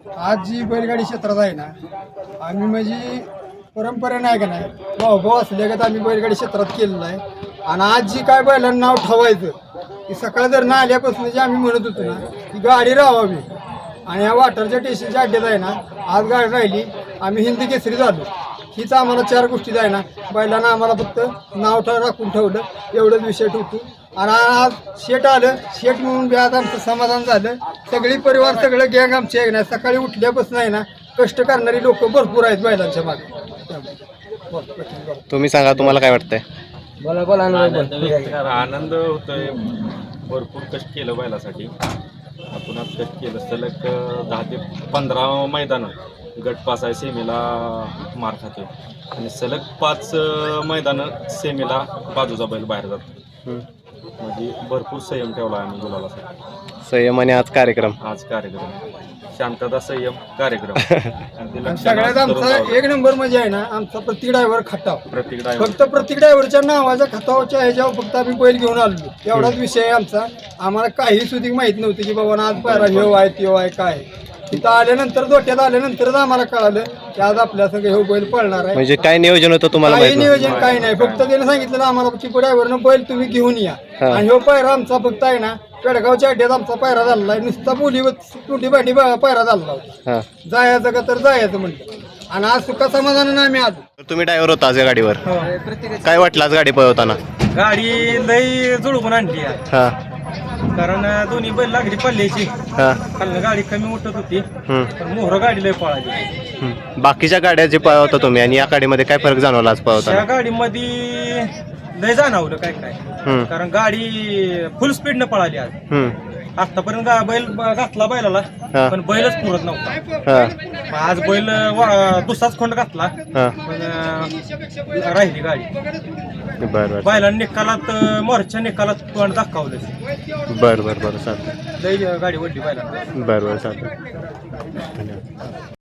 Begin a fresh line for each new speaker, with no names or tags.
आज जी बैलगाडी क्षेत्रात आहे ना, आम्ही म्हणजे परंपरा नाही का नाही भाऊ असल्या का आम्ही बैलगाडी क्षेत्रात केलेलं आहे. आणि आज जी काय बैलांना नाव ठेवायचं की सकाळ जर ना आल्यापासून जे आम्ही म्हणत होतो ना की गाडी राहावी आणि या वाटरच्या स्टेशनच्या अड्ड्यात आहे ना आज गाडी राहिली, आम्ही हिंदी केसरी झालो. हीच आम्हाला 4 गोष्टी आहे ना, बैलांना आम्हाला फक्त नाव राखून ठेवलं एवढंच विषय ठेवतो. आणि आज शेट आलं, शेट म्हणून बी आज आमचं समाधान झालं. सगळी परिवार सगळं गँग आमची आहे ना, सकाळी उठल्यापासून आहे ना कष्ट करणारी लोक भरपूर आहेत बैलांच्या मागे.
तुम्ही सांगा, तुम्हाला काय वाटतंय?
आनंद होतोय. भरपूर कष्ट केलं बैलासाठी. आपण आज कष्ट केलं. सलग 10 ते 15 मैदानं गट पास आहे, सेमीला मार खातोय आणि सलग 5 मैदानं सेमीला बाजूचा बैल बाहेर जातो. म्हणजे भरपूर संयम ठेवला आम्ही गुलालासाठी.
संयम आणि आज कार्यक्रम
शांतता संयम कार्यक्रम.
सगळ्यात आमचा 1 नंबर म्हणजे आहे ना आमचा प्रत्येक ड्रायव्हर खटाव. फक्त प्रत्येक ड्रायव्हरच्या नावाच्या खतावच्या ह्याच्यावर फक्त आम्ही बैल घेऊन आलो एवढाच विषय आहे आमचा. आम्हाला काही सुधी माहित नव्हती की बाबा आज पायरा ह्यो आहे त्यो आहे काय. तिथं आल्यानंतर दोट्यात आल्यानंतरच आम्हाला कळालं की आज आपल्या सगळं हे बैल पळणार आहे.
म्हणजे काय नियोजन होतं तुम्हाला?
काही नियोजन काही नाही, फक्त त्याने सांगितलं आम्हाला की ड्रायव्हरनं बैल तुम्ही घेऊन या. आणि ह्यो पायरा आमचा फक्त आहे ना पेडगावच्या अड्ड्यात आमचा पायरा झालेला आहे. नुसता टुटी भाटी पायरा झालेला होता. जायचं का तर जायचं म्हणलं. आणि आज सुखा समाधानानं आम्ही आज.
तुम्ही ड्रायव्हर होता आज या गाडीवर, काय वाटलं आज गाडी पळवताना?
गाडी लई जुळवून आणली
हा,
कारण दोन्ही बैल लागली पल्ल्याची. खालनं गाडी कमी उठत होती पण मोहर गाडी लई पळाली.
बाकीच्या गाड्या जे पळवता तुम्ही आणि या गाडीमध्ये काय फरक जाणवला आज पळवताना?
त्या गाडीमध्ये लय जाणवलं काय काय, कारण गाडी फुल स्पीडनं पळाली आज. आतापर्यंत बैल घातला बैलाला पण बैलच पुरत नव्हता. आज बैल दुसराच खोंड घातला पण राहिली गाडी. बैलांनी निकालात मोर्च्या निकालात तोंड दाखवलं.
बरं चालतं.
लई गाडी वडली बैलांना.
बरं चालतं. धन्यवाद.